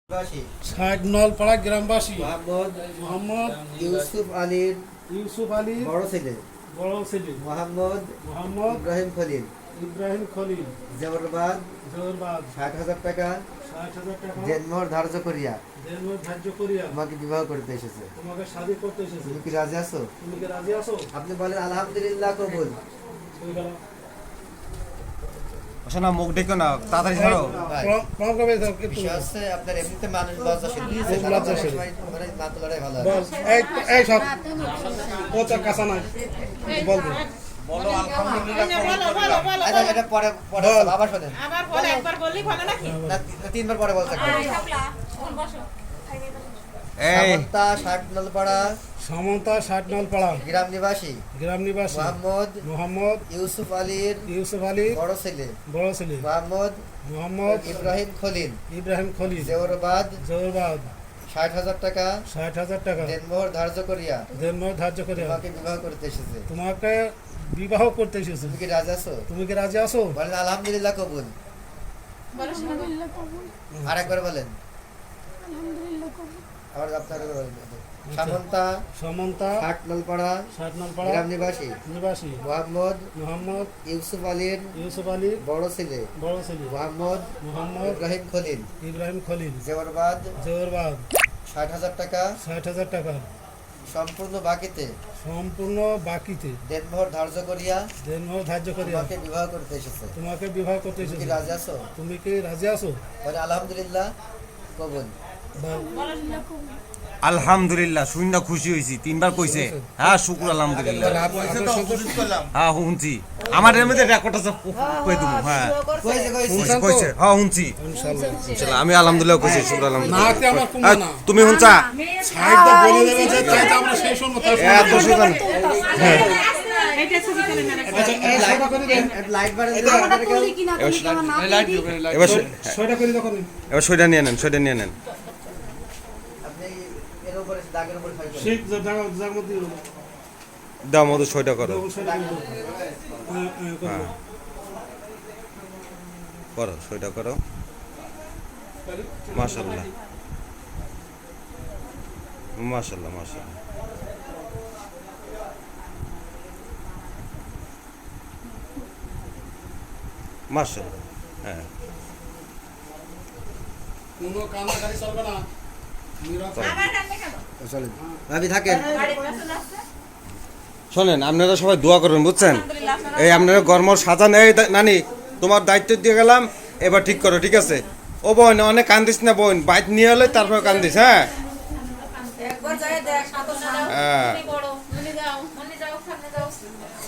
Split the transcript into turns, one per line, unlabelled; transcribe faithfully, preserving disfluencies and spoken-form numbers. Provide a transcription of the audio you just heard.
ষাট নলপাড়া গ্রামবাসী
মোহাম্মদ
মোহাম্মদ
ইউসুফ আলীর
ইউসুফ আলী
বড় ছেলে
বড় ছেলে
মোহাম্মদ
মোহাম্মদ
ইব্রাহিম খলিল
ইব্রাহিম খলিল
জবরবাদ
জোরবাদ
ষাট হাজার টাকা
ষাট হাজার টাকা
জন্মর ধার্য করিয়া
দেনমোহর ধার্য করিয়া
তোমাকে বিবাহ করতে এসেছে।
তোমাকে শাদী করতে এসেছে।
তুমি কি রাজি আছো?
তুমি কি রাজি আছো?
আপনি বলেন আলহামদুলিল্লাহ কবুল।
না মুখ দেখো না তাড়াতাড়ি ছাড়ো।
বিষয় হচ্ছে আপনার এমনিতে মানুষ লজ্জাশীল
লজ্জাশীল
মানে না তোলাটাই ভালো হয়।
বল এই এই সব কোচা কাঁচা নাই বলবে
বলো আলহামদুলিল্লাহ।
বলো বলো বলো
আচ্ছা এটা পরে পরে আবার শোনেন
আবার বলে একবার বললি ভালো নাকি
না তিনবার পরে বলতে হবে।
এই
সামন্তা ষাট নলপাড়া
সমতা ষাট নলপাড়া
গ্রাম নিবাসী
গ্রাম নিবাসী
মোহাম্মদ
মোহাম্মদ
ইউসুফ আলীর
ইউসুফ আলী
বড় ছেলে
বড় ছেলে
মোহাম্মদ
মোহাম্মদ
ইব্রাহিম খলিল
ইব্রাহিম খলিল
জবরবাদ
জোরবাদ
ষাট হাজার টাকা
ষাট হাজার টাকা
দেনমোহর ধার্য করিয়া
দেনমোহর ধার্য করিয়া
তোমাকে বিবাহ করতে এসেছে।
তোমাকে বিবাহ করতে এসেছে।
তুমি কি রাজি আছো?
তুমি কি রাজি আছো?
বলেন আলহামদুলিল্লাহ কবুল।
বলো শোনা
আর একবার বলেন আবার আপনারা বলেন। সামন্তা
সমন্তা
ষাট নলপাড়া
ষাট নলপাড়া
গ্রাম নিবাসী
নিবাসী
মোহাম্মদ
মোহাম্মদ
ইউসুফ আলীর
ইউসুফ আলী
বড় ছেলে
বড় ছেলে
মোহাম্মদ
মোহাম্মদ
ইব্রাহিম খলিল
ইব্রাহিম খলিল
জবরবাদ
জোরবাদ
ষাট হাজার টাকা
ষাট হাজার টাকা
সম্পূর্ণ বাকিতে
সম্পূর্ণ বাকিতে
দেনমোহর ধার্য করিয়া
দেনমোহর ধার্য করিয়া
তোমাকে বিবাহ করতে এসেছে।
তোমাকে বিবাহ করতে
তুমি কি
এসেছে।
রাজি আছো?
তুমি কি রাজি আছো?
বলে আলহামদুলিল্লাহ কবুল।
বল।
আলহামদুলিল্লাহ শুননা খুশি হইছি তিনবার কইছে। হ্যাঁ শুকর আলহামদুলিল্লাহ। হ্যাঁ শুনছি আমার এর মধ্যে রেকর্ড আছে কই দিমু। হ্যাঁ
কইছে কইছে
কইছে কইছে হ্যাঁ শুনছি
ইনশাআল্লাহ
ইনশাআল্লাহ আমি আলহামদুলিল্লাহ কইছি শুকর আলহামদুলিল্লাহ।
নাকে আমার কুমা
হ্যাঁ,
না
তুমি শুনছা
সাইডটা বলে দেবে যে চাইতে আমরা সেই শুনবো তার
এত শুকর
এটা ছবি করে না
আচ্ছা এই সেটা করে দেন
লাইট বাড়ে
এবার
সেটা করে দেখো
এবার সইটা নিয়ে নেন সইটা নিয়ে নেন।
আপনি এর উপরে দাগের উপরে ফাইল
সেই জায়গা জায়গার মধ্যে
দাও মধু সইটা করো
সেটা করে দাও। হ্যাঁ, হ্যাঁ, করে দাও।
করো সইটা করো মাশাআল্লাহ মাশাআল্লাহ মাশাআল্লাহ মাশাআল্লাহ। হ্যাঁ
কোনো কান্নাকাটি চলবে না নীরব
আবার রান্না খাবো
চলেন ভাবি থাকেন।
বাড়ি পছন্দ আছে
শোনেন আপনারা সবাই দোয়া করবেন বুঝছেন। এই আপনারা গরমর সাজান। এই দা- নানি তোমার দায়িত্ব দিয়ে গেলাম এবার ঠিক করো ঠিক আছে। ও বোন অনেক কান্দিস না বোন বাইক নিয়ে হলে তারপর কান্দিস। হ্যাঁ
একবার যায় দেখ সাথে যাও
হ্যাঁ
তুমি বড় মনে যাও মনে যাও সামনে যাও